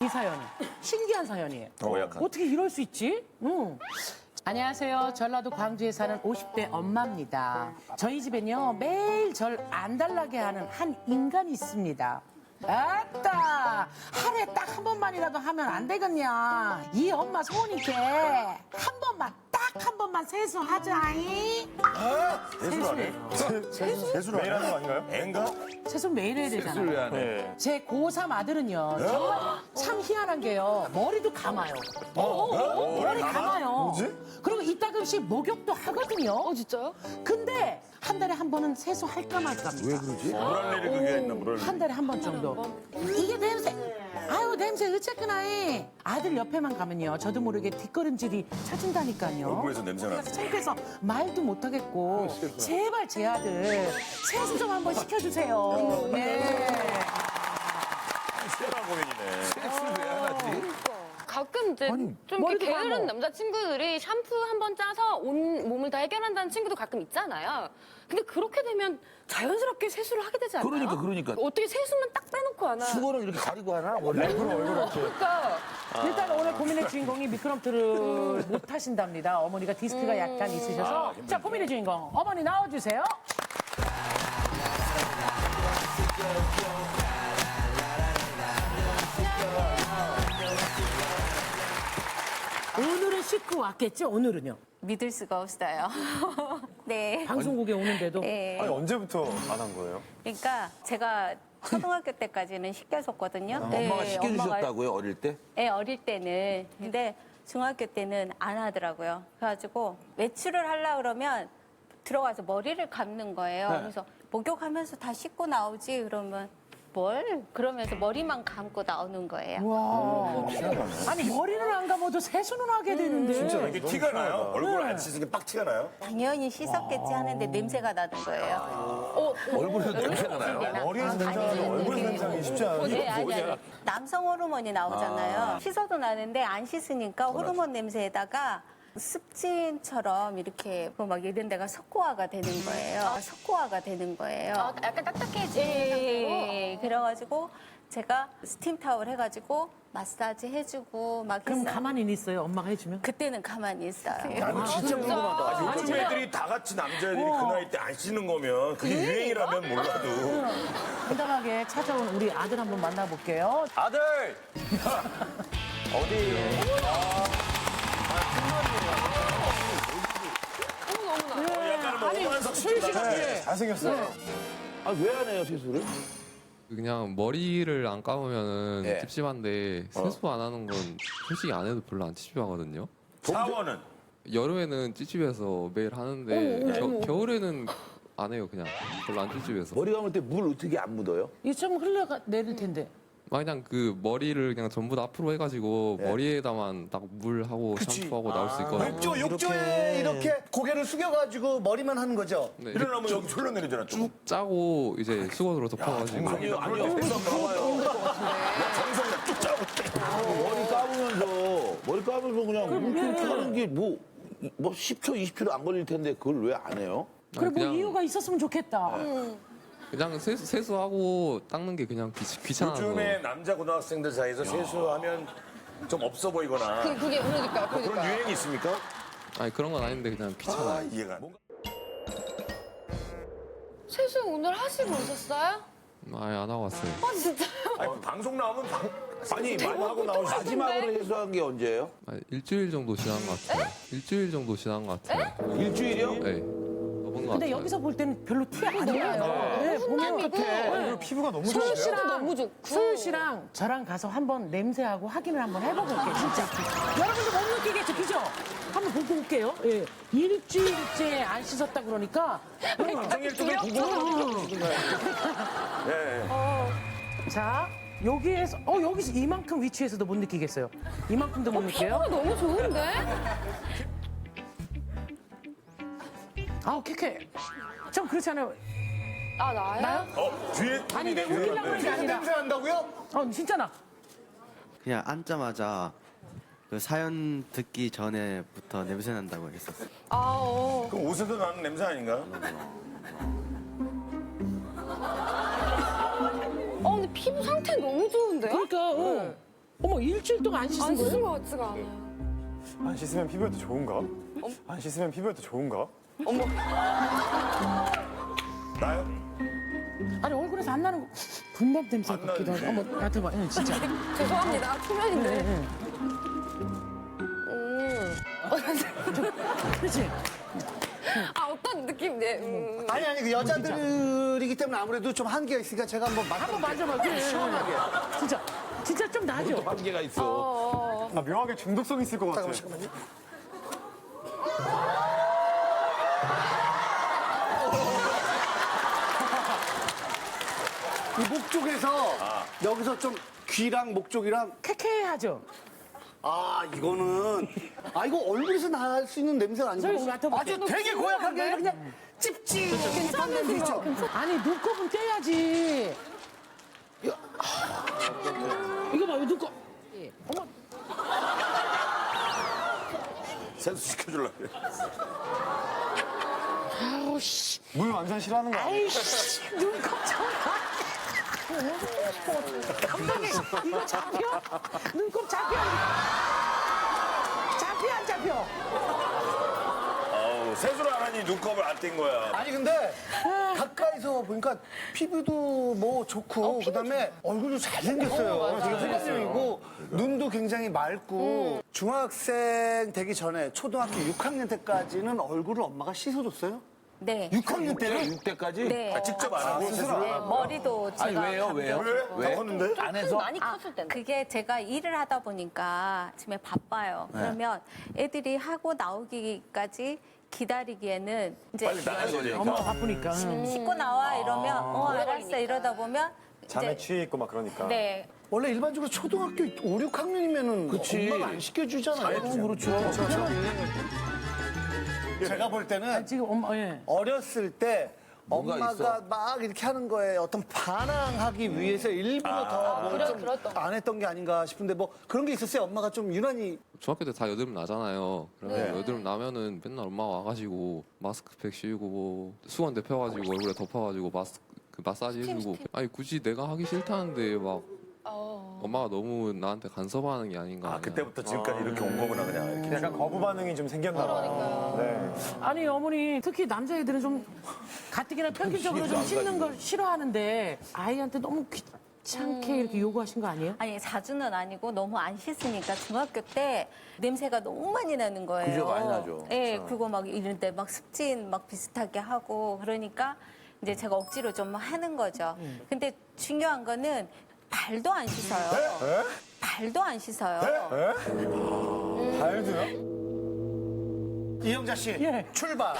사연은 신기한 사연이에요. 약간. 어떻게 이럴 수 있지? 안녕하세요. 전라도 광주에 사는 50대 엄마입니다. 저희 집엔요 매일 절 안 달라게 하는 한 인간이 있습니다. 아따, 하루에 딱 한 번만이라도 하면 안 되겠냐? 이 엄마 소원이께 한 번만 세수하자이. 세수해요. 세수를 매일 하는 거 아닌가요? 애인가? 세수 매일 해야 되잖아요. 왜 안 해? 네. 제 고3 아들은요 정말 참 희한한 게요 머리도 감아요. 머리 감아요. 뭐지? 그리고 이따금씩 목욕도 하거든요. 진짜요? 근데 한 달에 한 번은 세수할까 말까입니다. 왜 그러지? 물알레리 그게 있나, 물알레리. 한 달에 한 번 정도. 이게 냄새. 아유 냄새 어쨌거나 해. 아들 옆에만 가면요 저도 모르게 뒷걸음질이 찾은다니까요. 얼굴에서 냄새 나네. 그래서 창피해서 말도 못하겠고 제발 제 아들 세수 좀 한번 시켜주세요. 네. 시원한 고민이네. 세수를 왜 안 하지? 가끔 이제 좀 이렇게 머리도 게으른 감어. 남자친구들이 샴푸 한 번 짜서 온 몸을 다 해결한다는 친구도 가끔 있잖아요. 근데 그렇게 되면 자연스럽게 세수를 하게 되지 않나요? 그러니까. 어떻게 세수만 딱 빼놓고 하나? 수건을 이렇게 가리고 하나? 원래? 그러니까 일단 오늘 고민의 주인공이 미끄럼틀을 못 타신답니다. 어머니가 디스크가 약간 있으셔서. 자, 고민의 주인공. 어머니 나와주세요. 오늘은 씻고 왔겠죠? 오늘은요? 믿을 수가 없어요. 네. 방송국에 오는데도. 네. 아니, 언제부터 안 한 거예요? 그러니까 제가 초등학교 때까지는 시켜줬거든요. 엄마가 시켜주셨다고요, 어릴 때? 네, 어릴 때는. 근데 중학교 때는 안 하더라고요. 그래가지고 외출을 하려고 그러면 들어가서 머리를 감는 거예요. 그래서 목욕하면서 다 씻고 나오지 그러면 뭘? 그러면서 머리만 감고 나오는 거예요. 와. 아니, 머리를 안 감아도 세수는 하게 되는데. 진짜 이게 티가 나요? 얼굴 안 씻으니까 빡 티가 나요? 당연히 씻었겠지 하는데 냄새가 나는 거예요. 얼굴에서 냄새가 나요? 머리에서 냄새 나는 얼굴에서 냄새 나기 쉽지 않아요. 네, 아니. 남성 호르몬이 나오잖아요. 씻어도 나는데 안 씻으니까 호르몬 냄새에다가 습진처럼 이렇게 막 이런 데가 석고화가 되는 거예요. 석고화가 되는 거예요. 약간 딱딱해지는 네, 그래가지고 제가 스팀 타월 해가지고 마사지 해주고 막 그럼 했어요. 가만히 있어요? 엄마가 해주면? 그때는 가만히 있어요. 나는 진짜 궁금하다. 요즘 애들이 다 같이 남자애들이 그 나이 때 안 씻는 거면 그게 유행이라면 몰라도. 당당하게 찾아온 우리 아들 한번 만나볼게요. 아들! 약간 뭐 오만석 씨 잘생겼어요. 아, 왜 안 해요, 세수를? 그냥 머리를 안 감으면은 네. 찝찝한데 세수 안 하는 건 솔직히 안 해도 별로 안 찝찝하거든요. 샤워는? 여름에는 찝찝해서 매일 하는데 겨울에는 안 해요. 그냥 별로 안 찝찝해서. 머리 감을 때 물 어떻게 안 묻어요? 이게 좀 흘러가 내릴 텐데. 그냥 그 머리를 그냥 전부 다 앞으로 해가지고 머리에다만 딱 물하고 샴푸하고 나올 수 있거든요. 욕조에 이렇게 고개를 숙여가지고 머리만 하는 거죠? 네, 일어나면 여기 흘러내리잖아. 쭉. 짜고 이제 수건으로 덮어가지고 아니요. 정성이야. 쭉 짜고. 머리 감으면서 그냥 이렇게 하는 게 뭐 10초, 20초도 안 걸릴 텐데 그걸 왜 안 해요? 그래, 뭐 그냥- 이유가 있었으면 좋겠다. 그냥 세수하고 닦는 게 그냥 귀찮아서. 요즘에 남자 고등학생들 사이에서 세수하면 좀 없어 보이거나 그게 그러니까 그런 유행이 있습니까? 아니 그런 건 아닌데 그냥 귀찮아요. 아, 이해가 안 돼. 세수 오늘 하시고 오셨어요? 아예 안 하고 왔어요. 아 진짜요? 아니, 방송 나오면 아니 말하고 나오시지. 마지막으로 세수한 게 언제예요? 일주일 정도 지난 것 같아요. 일주일 정도 지난 것 같아요. 일주일이요? 네. 접은 것 근데 같아요. 여기서 볼 때는 별로 티 안 나요. 네, 보면 피부가 너무 소율 씨랑 너무 좋고. 소율 씨랑 저랑 가서 한번 냄새하고 확인을 한번 해보고 올게요. 진짜. 여러분도 못 느끼겠죠, 그죠? 한번 보고 올게요. 예. 일주일째 안 씻었다 그러니까. 생일 동안 궁금하니까. 네. 자, 여기에서 여기서 이만큼 위치에서도 못 느끼겠어요. 이만큼도 못 느껴요. 피부가 너무 좋은데? 아우 쾌쾌. 좀 그렇지 않아요? 아 나요? 나요? 뒤에 아니 내 웃기려고 그런 게 아니라. 냄새 난다고요? 진짜 나. 그냥 앉자마자 그 사연 듣기 전에부터 냄새 난다고 했었어요. 그 옷에서 나는 냄새 아닌가? 근데 피부 상태 너무 좋은데요? 그러니까. 어머, 일주일 동안 안 씻은 안 씻은 거예요? 것 같지가 않아요. 안 씻으면 피부에도 좋은가? 안 씻으면 피부에도 좋은가? 나요? 아니, 얼굴에서 안 나는 거. 분밥 냄새 안 같기도 하고. 나는데? 어머, 나한테 봐. 응, 진짜. 죄송합니다. 초면인데. 그렇지? 아, 어떤 느낌? 네. 아니 그 여자들이기 때문에 아무래도 좀 한계가 있으니까 제가 한번 한번 만져봐. 그래. 시원하게. 진짜 좀 나죠? 한계가 있어. 나 묘하게 중독성 있을 것 같아. 잠깐만요. 이 목 쪽에서 여기서 좀 귀랑 목 쪽이랑 쾌쾌하죠? 이거는 이거 얼굴에서 날 수 있는 냄새가 저희 아니고 맡아볼게요. 아주 되게 고약하게 아니라 그냥 찝찝한 냄새 있죠. 아니, 눈곱은 떼야지. 이거 봐, 이거 눈곱. 어머, 세수 시켜주려고 그래. 아우, 씨. 물 완전 싫어하는 거 아니야? 아이씨, 눈곱 좀 봐. 감독님, 이거 잡혀? 눈곱 잡혀? 잡혀, 안 잡혀? 세수를 안 하니 눈곱을 안 뗀 거야. 아니 근데 가까이서 보니까 피부도 뭐 좋고 그다음에 얼굴도 잘생겼어요. 되게 호감형이고 눈도 굉장히 맑고 중학생 되기 전에 초등학교 6학년 때까지는 얼굴을 엄마가 씻어줬어요? 네. 6학년 때는 6대까지? 네. 직접 안 하고 세수를? 네, 머리도 제가 아니, 왜요? 왜요? 감겨주고. 왜? 다 컸는데? 안 해서? 많이 컸을 때는. 그게 제가 일을 하다 보니까 아침에 바빠요. 그러면 애들이 하고 나오기까지 기다리기에는 이제 빨리 나가야 되니까. 엄마 바쁘니까. 씻고 나와 이러면 알았어 이러다 보면 잠에 이제 취해 있고 막 그러니까. 네. 원래 일반적으로 초등학교 5, 6학년이면은 그치. 엄마가 안 시켜주잖아요. 그렇죠. 제가 볼 때는 지금 엄마, 예. 어렸을 때 뭔가 엄마가 있어. 막 이렇게 하는 거에 어떤 반항하기 위해서 일부러 더뭐좀안 했던 게 아닌가 싶은데 뭐 그런 게 있었어요. 엄마가 좀 유난히 중학교 때 다 여드름 나잖아요. 그러면 여드름 나면은 맨날 엄마가 와가지고 마스크팩 씌우고 수건 데펴가지고 얼굴에 덮어가지고 마사지 해주고. 아니 굳이 내가 하기 싫다는데 막 엄마가 너무 나한테 간섭하는 게 아닌가. 그때부터 지금까지 이렇게 온 거구나, 그냥. 이렇게. 약간 거부 반응이 좀 생겼나 봐요. 네. 아니, 어머니, 특히 남자애들은 좀 가뜩이나 평균적으로 좀 씻는 걸 싫어하는데 아이한테 너무 귀찮게 이렇게 요구하신 거 아니에요? 아니 자주는 아니고 너무 안 씻으니까 중학교 때 냄새가 너무 많이 나는 거예요. 그죠, 많이 나죠. 네, 그거 막 이런데 막 습진 막 비슷하게 하고 그러니까 이제 제가 억지로 좀 하는 거죠. 근데 중요한 거는 발도 안 씻어요. 발도 안 씻어요. 발도요? 이영자 씨 예. 출발.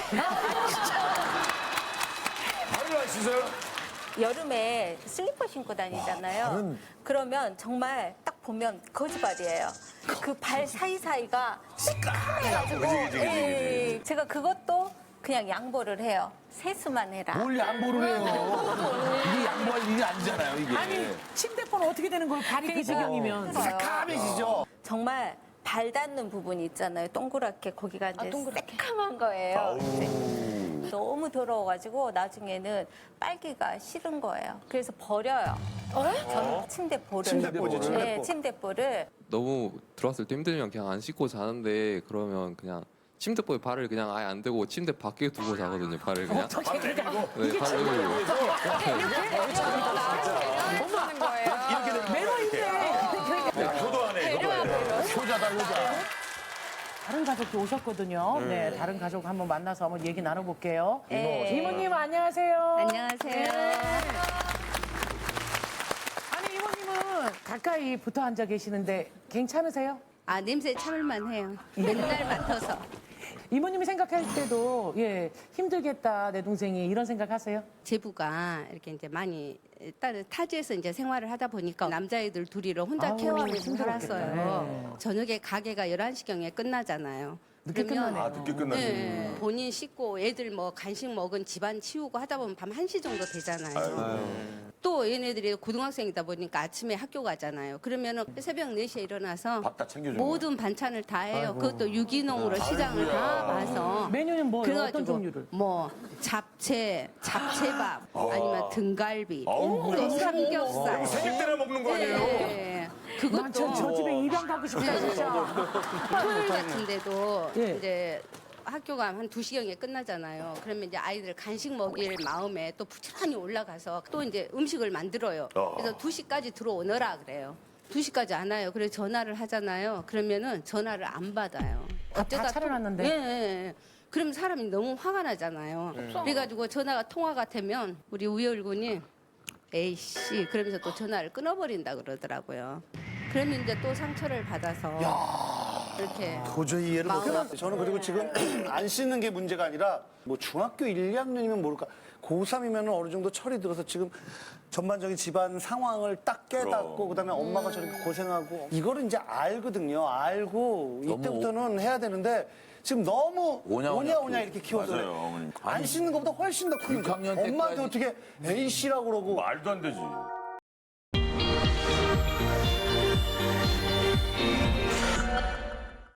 발을 안 씻어요? 여름에 슬리퍼 신고 다니잖아요. 그러면 정말 딱 보면 거짓발이에요. 그 발 사이사이가 시커매가지고 예, 제가 그것도 그냥 양보를 해요. 세수만 해라. 뭘 양보를 해요. 이게 양보할 일이 아니잖아요, 이게. 아니, 침대폰 어떻게 되는 거예요? 발이 그 지경이면. 새카매지죠. 정말 발 닿는 부분이 있잖아요. 동그랗게 거기가 이제 새카만 거예요. 이제 너무 더러워가지고 나중에는 빨기가 싫은 거예요. 그래서 버려요. 저는 침대볼을. 침대볼이죠, 침대볼. 네, 침대볼을. 너무 들어왔을 때 힘들면 그냥 안 씻고 자는데 그러면 그냥 침대보에 발을 그냥 아예 안 대고 침대 밖에 두고 자거든요. 발을 그냥. 어떻게 그러니까 네, 발을 내밀고. 하는 거예요. 매너 있네. 효도하네, 효도해. 효자다, 효자. 다른 가족도 오셨거든요. 네, 다른 가족 한번 만나서 한번 얘기 나눠볼게요. 네. 이모님 안녕하세요. 안녕하세요. 아니, 이모님은 가까이 붙어 앉아 계시는데 괜찮으세요? 아, 냄새 참을만 해요. 맨날 맡아서. 이모님이 생각할 때도 예 힘들겠다 내 동생이 이런 생각하세요? 제부가 이렇게 이제 많이 다른 타지에서 이제 생활을 하다 보니까 남자애들 둘이를 혼자 아우, 케어하면서 힘들었겠다. 살았어요. 네. 저녁에 가게가 11시경에 끝나잖아요. 늦게 그러면 끝나네요. 늦게 끝나지. 네, 본인 씻고 애들 뭐 간식 먹은 집안 치우고 하다 보면 밤 1시 정도 되잖아요. 또 얘네들이 고등학생이다 보니까 아침에 학교 가잖아요. 그러면은 새벽 4시에 일어나서 밥 다 챙겨주는 모든 반찬을 다 해요. 그것도 유기농으로 시장을 다 봐서. 메뉴는 뭐예요? 어떤 그래가지고 종류를? 뭐 잡채밥 아니면 등갈비 또 아이고야. 삼겹살 생일 때나 먹는 거 아니에요? 네. 그것도 저 집에 입양 가고 싶다 진짜. 토요일 같은데도 예. 이제 학교가 한 2시경에 끝나잖아요. 그러면 이제 아이들 간식 먹일 마음에 또 부지런히 올라가서 또 이제 음식을 만들어요. 그래서 2시까지 들어오너라 그래요. 2시까지 안 와요. 그래서 전화를 하잖아요. 그러면은 전화를 안 받아요. 다 차려놨는데? 예, 예. 그러면 사람이 너무 화가 나잖아요. 그래가지고 전화가 통화가 되면 우리 우열 군이 에이씨 그러면서 또 전화를 끊어버린다 그러더라고요. 그러면 이제 또 상처를 받아서 이렇게 도저히 이해를 못해요. 저는 그리고 지금 안 씻는 게 문제가 아니라 뭐 중학교 1, 2학년이면 모를까. 고3이면 어느 정도 철이 들어서 지금 전반적인 집안 상황을 딱 깨닫고 그다음에 엄마가 저렇게 고생하고 이거를 이제 알거든요. 알고 이때부터는 해야 되는데 지금 너무 오냐 이렇게 키워서 맞아요, 어머니. 안 씻는 것보다 훨씬 더 큰 거. 6학년 엄마한테 때까지 어떻게 A씨라고 그러고 말도 안 되지.